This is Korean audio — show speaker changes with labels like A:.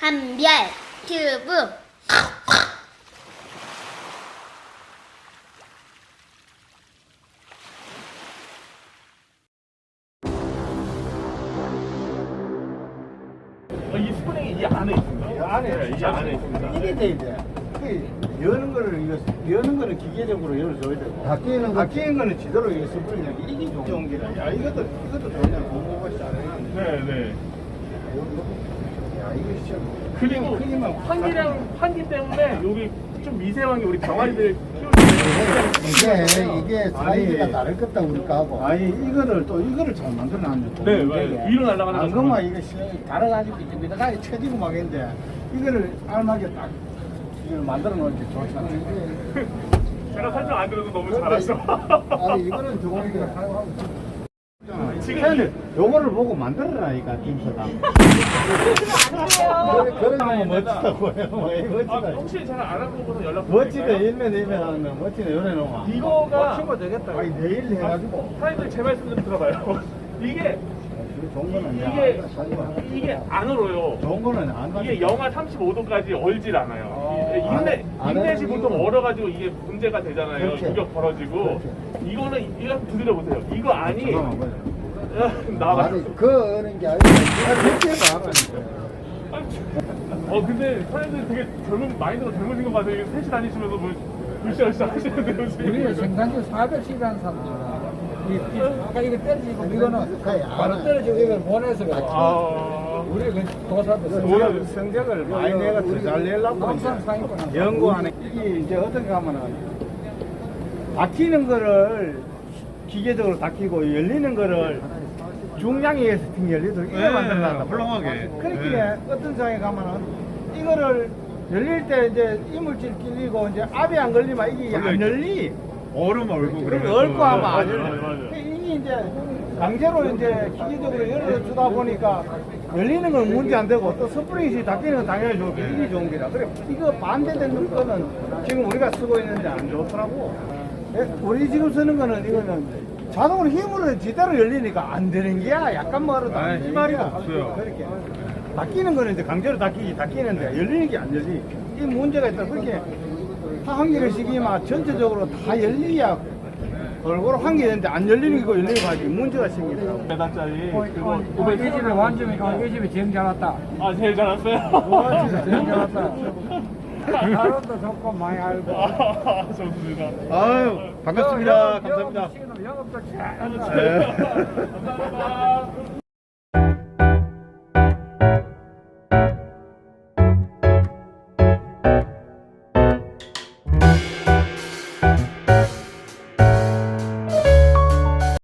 A: 한별 튜브.
B: 이 스프링이 이 안에 있습니다.
C: 이 안에
B: 네, 이 안에 있습니다.
C: 이게 돼 이제. 여는 거를 여는 거는 기계적으로 열어줘야 되고. 닫히는 거는 지대로 이게 스프링이 이게 좋은 게라. 야 이것도 좋냐 공부가 잘해.
B: 네.
C: 야 이거 진짜.
B: 그리고
C: 크기만
B: 환기 때문에 여기 좀 미세한 게 우리 병아리들 키울 때
D: 이게 사이즈가 다를 것다 우리 거하고.
C: 아니 이거를 잘 만들어놨네.
B: 네, 맞아요. 위로 날아가는 거.
C: 그만 이거 달아가지고 밑에까지 쳐지고 막 했는데 이거를 알맞게 딱 이걸 만들어 놓을게 좋잖아.
B: 제가 설명 안 들어도 너무 잘하셔.
D: 아니 이거는 저거니까 사용하고.
C: 지금 요거를 보고 만들어라니까 팀서다. 그런 거 멋지다고 해요. 멋지다.
B: 혹시 제가 안 하고 보서 연락
C: 멋지다
B: 드릴까요?
C: 일면 하는 거 멋지다 요래 놓아.
B: 이거가
C: 친구 되겠다. 아니 내일 해가지고.
B: 사장님들 제 말씀 좀 들어봐요. 이게
C: 좋은 거는
B: 이게 안 얼어요.
C: 좋은 거는 안
B: 이게 영하 35도까지 얼질 않아요. 인넷이 보통 얼어가지고 이게 문제가 되잖아요.
C: 그렇지.
B: 유격 벌어지고. 이거는 이거 두드려 보세요. 이거 안이
C: 잠깐만 보자.
B: 나와.
D: 아니 그는 게 아니라
B: 근데 사장님들 되게 마인드가 젊으신 것 같아요. 셋이 다니시면서 뭐 으쌰으쌰 하시는데요 지금.
E: 우리는 생산율 410이라는 사람들. 아까 이거 떨어지고 이거는 바로 떨어지고 이걸 보내서 그래. 우리 도사도
C: 성적을 많이 내가 잘 내려고
E: 항상 상위권
C: 연구하는 이게 이제 어떻게 하면은 닫히는 거를 기계적으로 닫히고 열리는 거를 중량에 의해서 열리도록 이거 만들어놨다.
F: 훌륭하게.
C: 그렇게 어떤 상에 가면은 이거를 열릴 때 이제 이물질 끼리고 이제 압이 안 걸리면 이게 안 열리.
F: 얼음 얼고
C: 그러면 얽고 하면 안
B: 맞아요,
C: 열려.
B: 맞아요.
C: 이게 이제 강제로 이제 기계적으로 열어주다 보니까 열리는 건 문제 안 되고 또 스프링이 닫히는 건 당연히 좋고 이게 좋은 게라. 그래 이거 반대되는 거는 지금 우리가 쓰고 있는데 안 좋더라고. 우리 지금 쓰는 거는 이거는 자동으로 힘으로 제대로 열리니까 안 되는 게야. 약간 멀어도 안 되는
F: 힘알이가
C: 게야.
F: 없어요.
C: 그렇게 닫히는 거는 이제 강제로 닫히는데 열리는 게 안 열리. 이 문제가 있다. 그렇게 한 개씩이만 전체적으로 다 열려야 골고루 환기되는데 안 열리는 거 열리는 거 하지 문제가 생기더라고.
B: 매단짜리 그거
E: 이 집에 완전히 이 집에 제일 잘 왔다.
B: 제일 잘 왔어요.
E: 제일 잘 왔다. 사람도 좋고 많이 알고.
B: 좋습니다.
F: 아유, 반갑습니다. 감사합니다.
E: 영업도 잘.
B: 감사합니다.